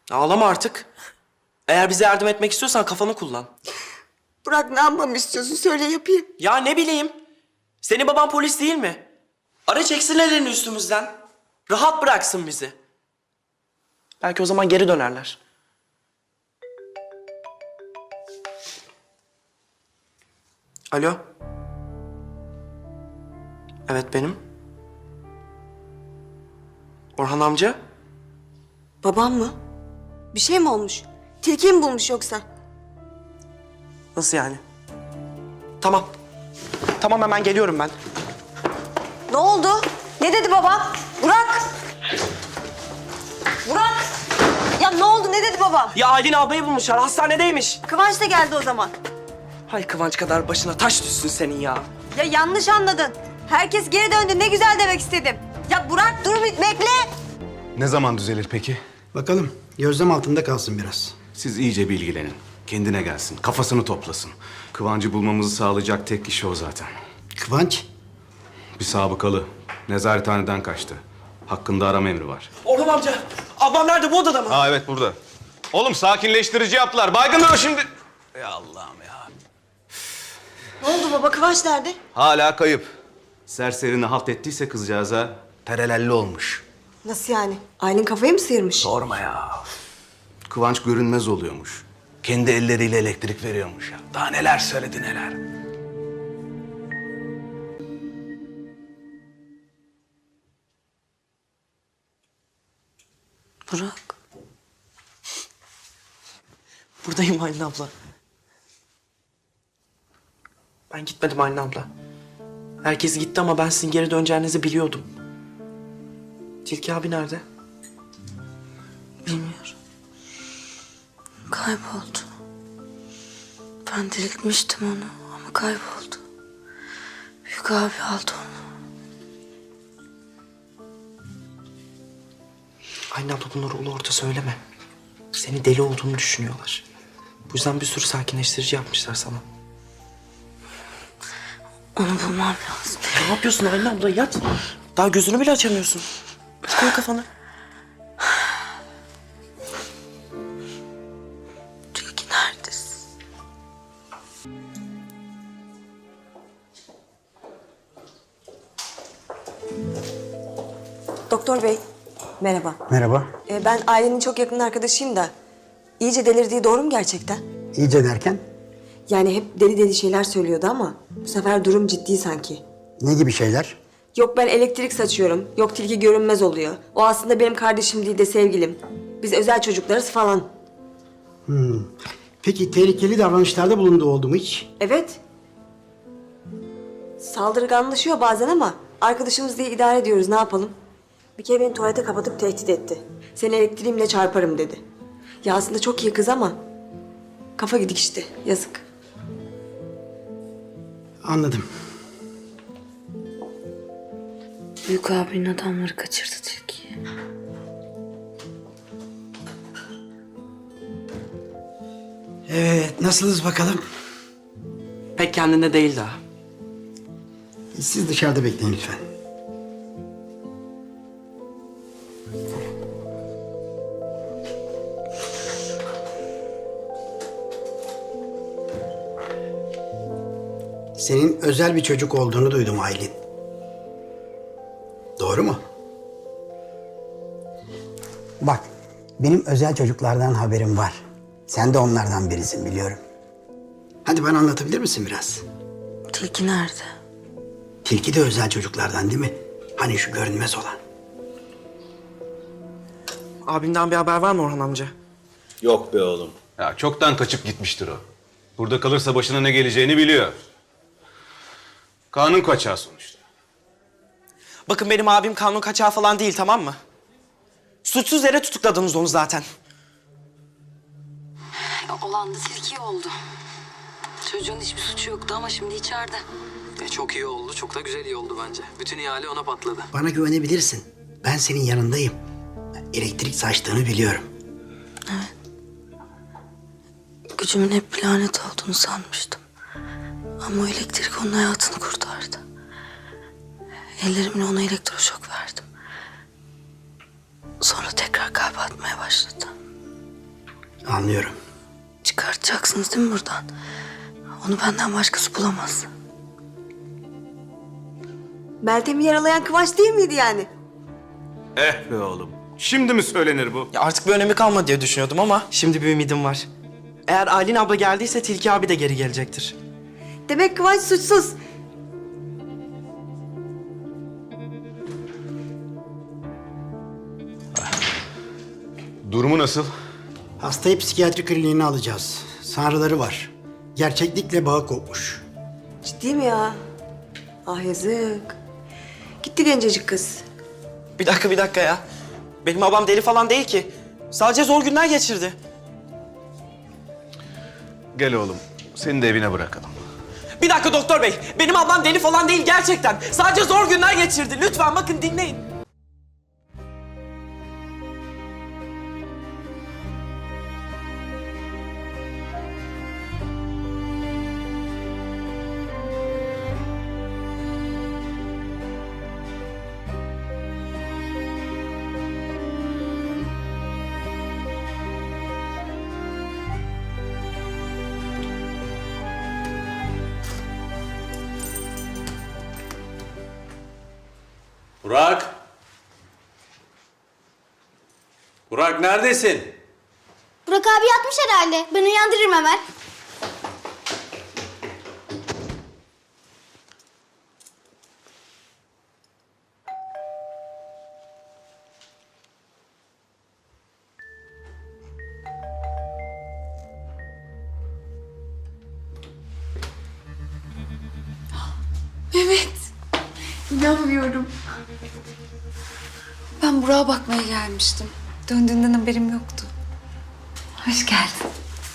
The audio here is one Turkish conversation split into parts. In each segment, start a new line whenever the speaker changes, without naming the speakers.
Ağlama artık. Eğer bize yardım etmek istiyorsan kafanı kullan.
Burak, ne yapmamı istiyorsun? Söyle, yapayım.
Ya ne bileyim. Senin baban polis değil mi? Ara çeksin ellerini üstümüzden. Rahat bıraksın bizi. Belki o zaman geri dönerler. Alo. Evet benim. Orhan amca.
Babam mı? Bir şey mi olmuş? Tilkiyi mi bulmuş yoksa?
Nasıl yani? Tamam. Tamam hemen geliyorum ben.
Ne oldu? Ne dedi baba? Burak! Burak! Ya ne oldu? Ne dedi baba?
Ya Aylin ablayı bulmuşlar. Hastanedeymiş.
Kıvanç da geldi o zaman.
Hay Kıvanç kadar başına taş düşsün senin ya.
Ya yanlış anladın. Herkes geri döndü. Ne güzel demek istedim. Ya Burak dur bir bekle.
Ne zaman düzelir peki?
Bakalım, gözlem altında kalsın biraz.
Siz iyice bilgilenin. Kendine gelsin, kafasını toplasın. Kıvancı bulmamızı sağlayacak tek kişi o zaten.
Kıvanç,
Bir sabıkalı. Nezarethaneden kaçtı. Hakkında arama emri var.
Orhan amca. Ablam nerede? Bu odada mı?
Aa evet burada. Oğlum sakinleştirici yaptılar. Baygınlar o şimdi. Ya Allah'ım ya.
Ne oldu baba? Kıvanç nerede?
Hala kayıp. Serserini halt ettiyse kızcağıza terelelli olmuş.
Nasıl yani? Aylin kafayı mı sıyırmış?
Sorma ya. Kıvanç görünmez oluyormuş. Kendi elleriyle elektrik veriyormuş ya. Daha neler söyledi neler.
Burak.
Buradayım Aylin abla. Ben gitmedim Aylin abla. Herkes gitti ama ben sizin geri döneceğinizi biliyordum. Tilki abi nerede?
Bilmiyorum. Kayboldu. Ben diriltmiştim onu ama kayboldu. Büyük abi aldı onu.
Aylin abla bunları ulu orta söyleme. Seni deli olduğunu düşünüyorlar. Bu yüzden bir sürü sakinleştirici yapmışlar sana.
Onu bulmam lazım.
Ne yapıyorsun Aylin abla? Yat. Daha gözünü bile açamıyorsun. Koy kafanı.
Tilki neredesin?
Doktor bey, merhaba.
merhaba.
Ben Aylin'in çok yakın arkadaşıyım da... ...iyice delirdiği doğru mu gerçekten?
İyice derken,
Yani hep deli deli şeyler söylüyordu ama... ...bu sefer durum ciddi sanki.
ne gibi şeyler?
Yok ben elektrik saçıyorum, yok tilki görünmez oluyor. O aslında benim kardeşim değil de sevgilim. Biz özel çocuklarız falan.
Peki tehlikeli davranışlarda bulunduğu oldu mu hiç?
Evet. Saldırganlaşıyor bazen ama... ...arkadaşımız diye idare ediyoruz, ne yapalım? Bir kere beni tuvalete kapatıp tehdit etti. Seni elektriğimle çarparım dedi. Ya aslında çok iyi kız ama... ...kafa gidik işte, yazık.
Anladım.
Büyük abinin adamları kaçırdı tilkiyi.
Evet, nasılsınız bakalım?
Pek kendinde değil daha.
Siz dışarıda bekleyin lütfen. Senin özel bir çocuk olduğunu duydum Aylin. Doğru mu? Bak, benim özel çocuklardan haberim var. Sen de onlardan birisin biliyorum. Hadi bana anlatabilir misin biraz?
Tilki nerede?
Tilki de özel çocuklardan değil mi? Hani şu görünmez olan.
Abimden bir haber var mı Orhan amca?
Yok be oğlum. Ya çoktan kaçıp gitmiştir o. Burada kalırsa başına ne geleceğini biliyor. Kanun kaçağı sonuçta.
Bakın benim abim kanun kaçağı falan değil, tamam mı? Suçsuz yere tutukladınız onu zaten.
Olan da tilki oldu. Çocuğun hiçbir suçu yoktu ama şimdi içeride.
Çok iyi oldu. Çok da güzel iyi oldu bence. Bütün ihale ona patladı.
Bana güvenebilirsin. Ben senin yanındayım. Elektrik saçtığını biliyorum.
Gücümün hep bir lanet olduğunu sanmıştım. Ama o elektrik onun hayatını kurtardı. Ellerimle ona elektroşok verdim. Sonra tekrar kalp atmaya başladı.
anlıyorum.
Çıkartacaksınız değil mi buradan? Onu benden başkası bulamaz.
Meltem'i yaralayan Kıvanç değil miydi yani?
Eh be oğlum. Şimdi mi söylenir bu?
Ya artık bir önemi kalmadı diye düşünüyordum ama şimdi bir ümidim var. Eğer Aylin abla geldiyse Tilki abi de geri gelecektir.
Demek Kıvanç suçsuz.
Durumu nasıl?
Hastayı psikiyatri kliniğine alacağız. Sanrıları var. Gerçeklikle bağı kopmuş.
Ciddi mi ya? Ah yazık. Gitti gencecik kız.
Bir dakika ya. Benim babam deli falan değil ki. Sadece zor günler geçirdi.
Gel oğlum. Seni de evine bırakalım.
Bir dakika doktor bey. Benim ablam deli falan değil gerçekten. Sadece zor günler geçirdi. Lütfen bakın dinleyin.
Burak! Burak neredesin?
Burak abi yatmış herhalde. Ben uyandırırım hemen.
Mehmet. İnanmıyorum. Ben Burak'a bakmaya gelmiştim. Döndüğünden haberim yoktu. Hoş geldin.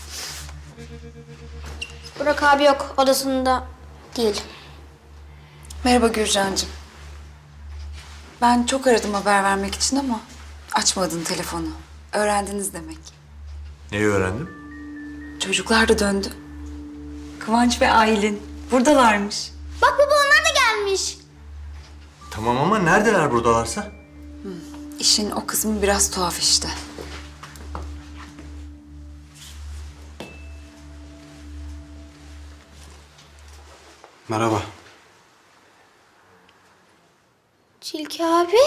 Burak abi yok. Odasında değil.
Merhaba Gürcan'cığım. Ben çok aradım haber vermek için ama açmadın telefonu. Öğrendiniz demek.
Neyi öğrendim?
Çocuklar da döndü. Kıvanç ve Aylin buradalarmış.
Bak baba onlar da gelmiş.
Tamam ama neredeler buradalarsa?
İşin o kısmı biraz tuhaf işte.
Merhaba.
Tilki abi.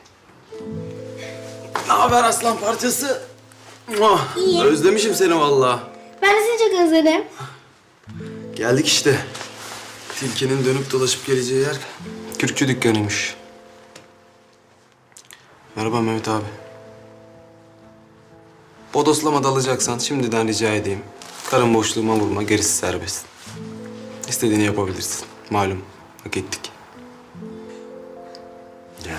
Ne haber aslan parçası? Oh, özlemişim seni vallahi.
Ben de seni çok özledim.
Geldik işte. Tilkinin dönüp dolaşıp geleceği yer kürkçü dükkanıymış. Merhaba Mehmet abi. Bodoslama dalacaksan şimdiden rica edeyim. Karın boşluğuma vurma, gerisi serbest. İstediğini yapabilirsin. Malum, hak ettik. Gel.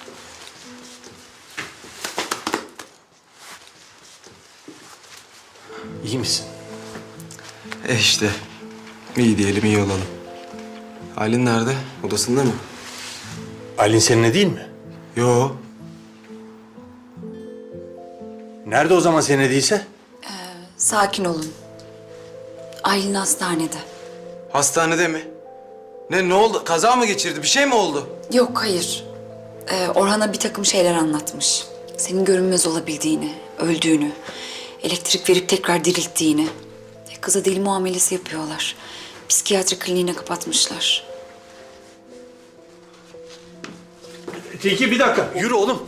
İyi misin?
İşte. İyi diyelim, iyi olalım. Aylin nerede? Odasında mı?
Aylin seninle değil mi?
Yo.
Nerede o zaman seninle değilse?
Sakin olun. Aylin hastanede.
Hastanede mi? Ne oldu? Kaza mı geçirdi? Bir şey mi oldu?
Yok hayır. Orhan'a bir takım şeyler anlatmış. Senin görünmez olabildiğini, öldüğünü, elektrik verip tekrar dirilttiğini. Kıza deli muamelesi yapıyorlar. Psikiyatri kliniğine kapatmışlar.
Tilki bir dakika. Yürü oğlum.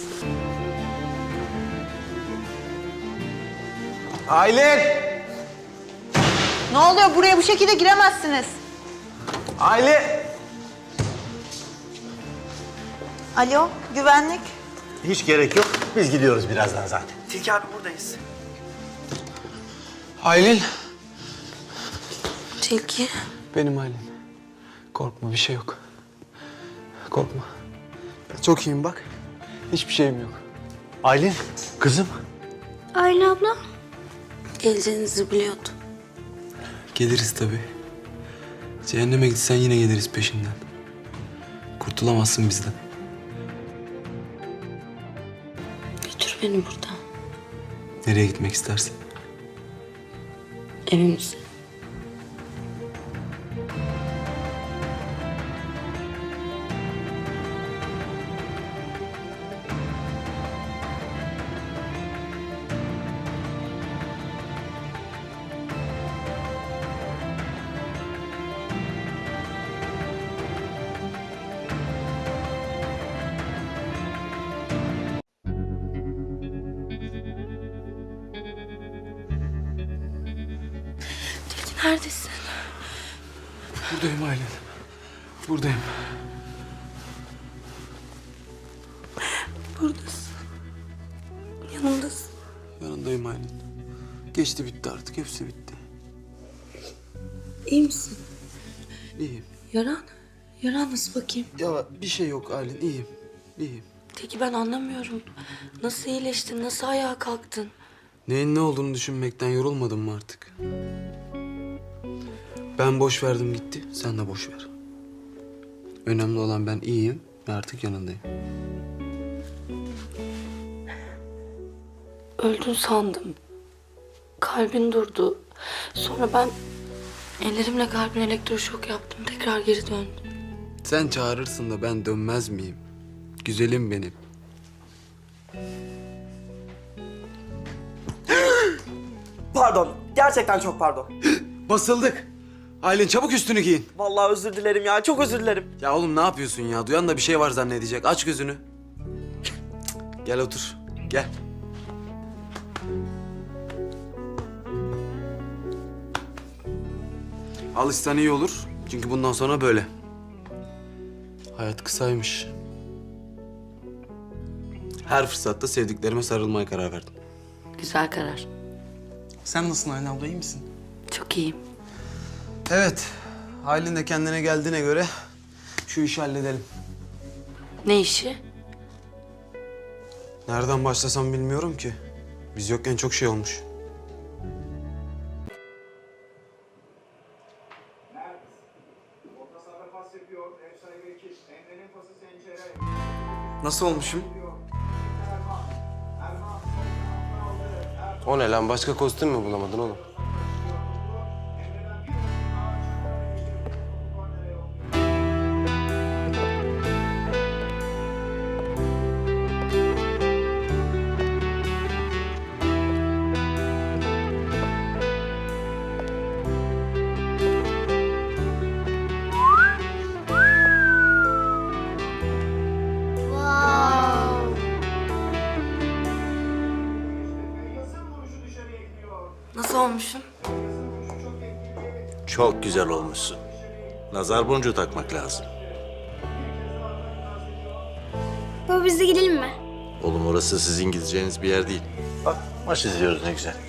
Aylin!
Ne oluyor? Buraya bu şekilde giremezsiniz.
Aylin!
Alo, güvenlik.
Hiç gerek yok. Biz gidiyoruz birazdan zaten.
Tilki abi buradayız.
Aylin.
Tilki.
Benim Aylin. Korkma, bir şey yok. Korkma. Çok iyiyim bak. Hiçbir şeyim yok.
Aylin, kızım.
Aylin abla.
Geleceğinizi biliyordum.
Geliriz tabii. Cehenneme gitsen yine geliriz peşinden. Kurtulamazsın bizden.
Götür beni buradan.
Nereye gitmek istersin?
Evimize.
Neredesin?
Buradayım Aylin. Buradayım.
Buradasın. Yanımdasın.
Yanındayım Aylin. Geçti bitti artık. Hepsi bitti.
İyi misin?
İyiyim.
Yaran? Yaran nasıl bakayım?
Ya bir şey yok Aylin. İyiyim. İyiyim.
Peki ben anlamıyorum. Nasıl iyileştin? Nasıl ayağa kalktın?
Neyin ne olduğunu düşünmekten yorulmadın mı artık? Ben boş verdim gitti. Sen de boş ver. Önemli olan ben iyiyim ve artık yanındayım.
Öldün sandım. Kalbin durdu. Sonra ben ellerimle kalbine elektroşok yaptım. Tekrar geri döndüm.
Sen çağırırsın da ben dönmez miyim? Güzelim benim.
Pardon. Gerçekten çok pardon.
Basıldık. Aylin çabuk üstünü giyin.
Vallahi özür dilerim ya. Çok özür dilerim.
Ya oğlum ne yapıyorsun ya? Duyan da bir şey var zannedecek. Aç gözünü. Gel otur. Gel. Alışsan iyi olur. Çünkü bundan sonra böyle. Hayat kısaymış. Her fırsatta sevdiklerime sarılmaya karar verdim.
Güzel karar.
Sen nasılsın Aylin abla? İyi misin?
Çok iyiyim.
Evet. Aylin de kendine geldiğine göre şu işi halledelim.
Ne işi?
Nereden başlasam bilmiyorum ki. Biz yokken çok şey olmuş.
Nasıl olmuşum?
O ne lan? Başka kostüm mü bulamadın oğlum?
Nasıl olmuşum?
Çok güzel olmuşsun. Nazar boncuğu takmak lazım.
Baba biz de gidelim mi?
Oğlum orası sizin gideceğiniz bir yer değil. Bak maç izliyoruz ne güzel.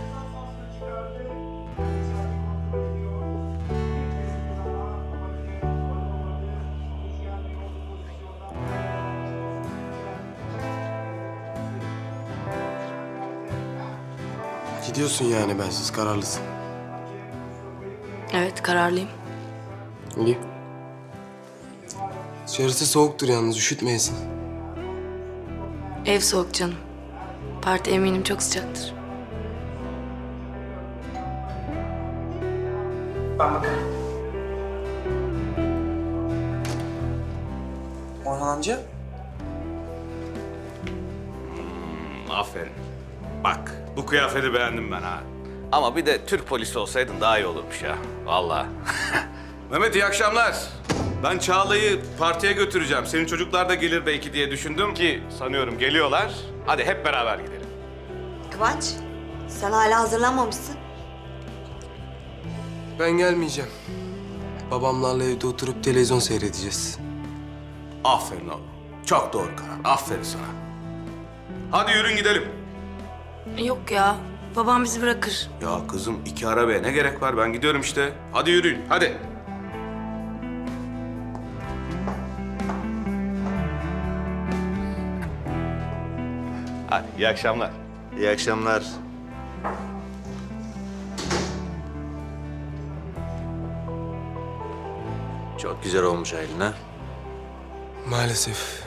Gidiyorsun yani bensiz, kararlısın.
Evet, kararlıyım.
İyi. Dışarısı soğuktur yalnız, üşütmeyesin.
Ev soğuk canım. Parti eminim çok sıcaktır.
Orhan amca.
Aferin. Bak, bu kıyafeti beğendim ben ha. Ama bir de Türk polisi olsaydın daha iyi olurmuş ya. Vallahi. Mehmet iyi akşamlar. Ben Çağla'yı partiye götüreceğim. Senin çocuklar da gelir belki diye düşündüm ki sanıyorum geliyorlar. Hadi hep beraber gidelim.
Kıvanç, sen hala hazırlanmamışsın.
Ben gelmeyeceğim. Babamlarla evde oturup televizyon seyredeceğiz.
Aferin oğlum. Çok doğru karar. Aferin sana. Hadi yürün gidelim.
Yok ya, babam bizi bırakır.
Ya kızım 2 arabaya ne gerek var? Ben gidiyorum işte. Hadi yürüyün. Hadi. Hadi iyi akşamlar.
İyi akşamlar. Çok güzel olmuş Aylin ha.
Maalesef.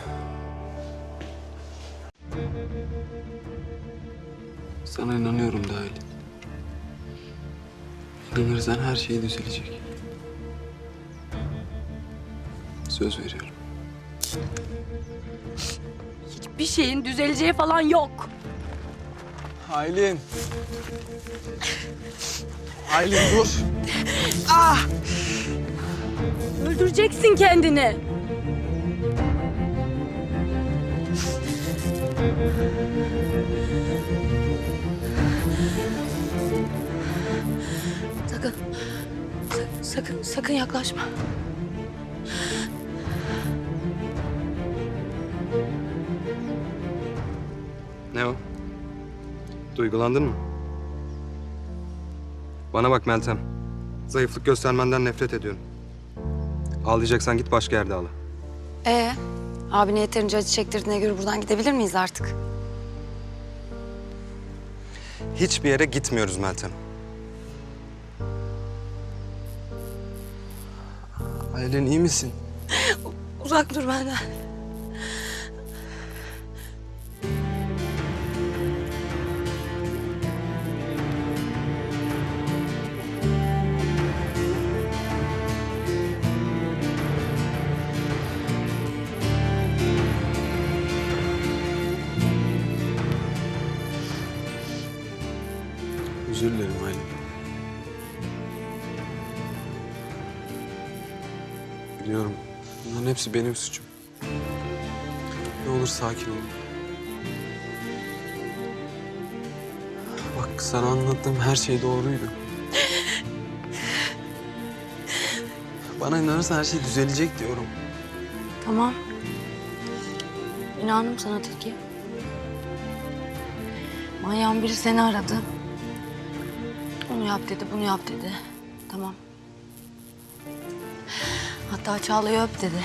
Sana inanıyorum da Aylin. İnanırsan her şey düzelecek. Söz veriyorum.
Bir şeyin düzeleceği falan yok.
Aylin. Aylin dur.
Öldüreceksin kendini. Sakın. Sakın yaklaşma.
Ne o? Duygulandın mı? Bana bak Meltem. Zayıflık göstermenden nefret ediyorum. Ağlayacaksan git başka yerde ağla.
Abine yeterince acı çektirdiğine göre buradan gidebilir miyiz artık?
Hiçbir yere gitmiyoruz Meltem. Aylin iyi misin?
Uzak dur benden.
Özür dilerim Aylin. Biliyorum. Bunların hepsi benim suçum. Ne olur sakin ol. Bak sana anlattığım her şey doğruydu. Bana inanırsan her şey düzelecek diyorum.
Tamam. İnandım sana Tilki. Manyağın biri seni aradı. Onu yap dedi, bunu yap dedi. Tamam. Hatta Çağla'yı öp dedi.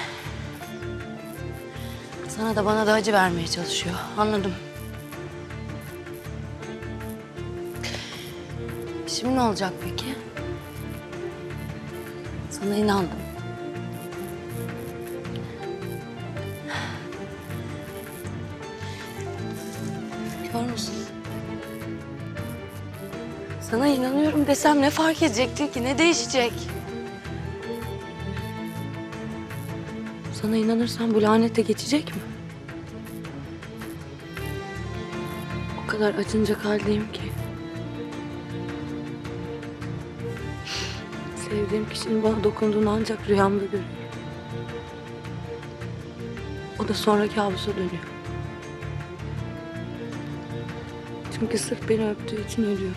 Sana da bana da acı vermeye çalışıyor. Anladım. Şimdi ne olacak peki? Sana inandım. Kör müsün? Sana inanıyorum desem ne fark edecekti ki? Ne değişecek? Sana inanırsam bu lanet de geçecek mi? O kadar acınacak haldeyim ki. Sevdiğim kişinin bana dokunduğunu ancak rüyamda görüyorum. O da sonra kabusa dönüyor. Çünkü sırf beni öptüğü için ölüyor.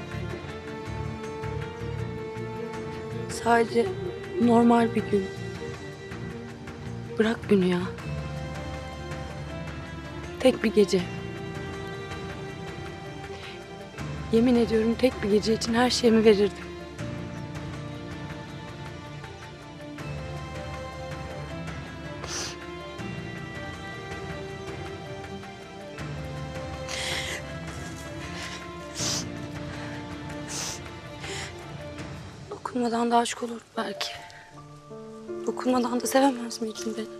Sadece normal bir gün. Bırak günü ya. Tek bir gece. Yemin ediyorum tek bir gece için her şeyimi verirdim. Dokunmadan da aşık olur belki. Dokunmadan da sevemez miydin beni?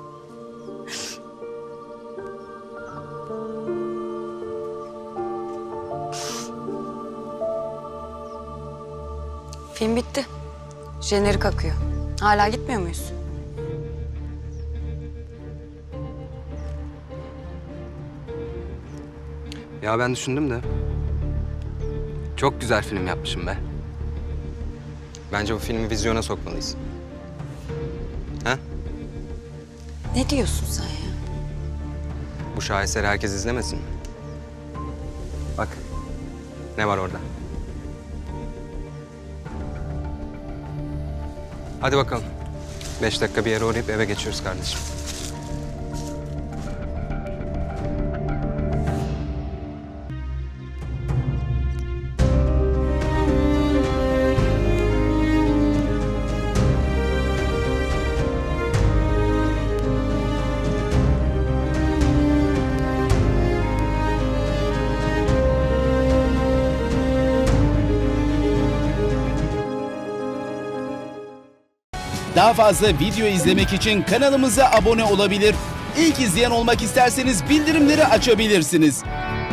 Film bitti. Jenerik akıyor. Hala gitmiyor muyuz?
Ya ben düşündüm de. Çok güzel film yapmışım be. Bence bu filmi vizyona sokmalıyız. Ha?
Ne diyorsun sen ya?
Bu şaheseri herkes izlemesin mi? Bak. Ne var orada? Hadi bakalım. 5 dakika bir yere uğrayıp eve geçiyoruz kardeşim.
Daha fazla video izlemek için kanalımıza abone olabilir. İlk izleyen olmak isterseniz bildirimleri açabilirsiniz.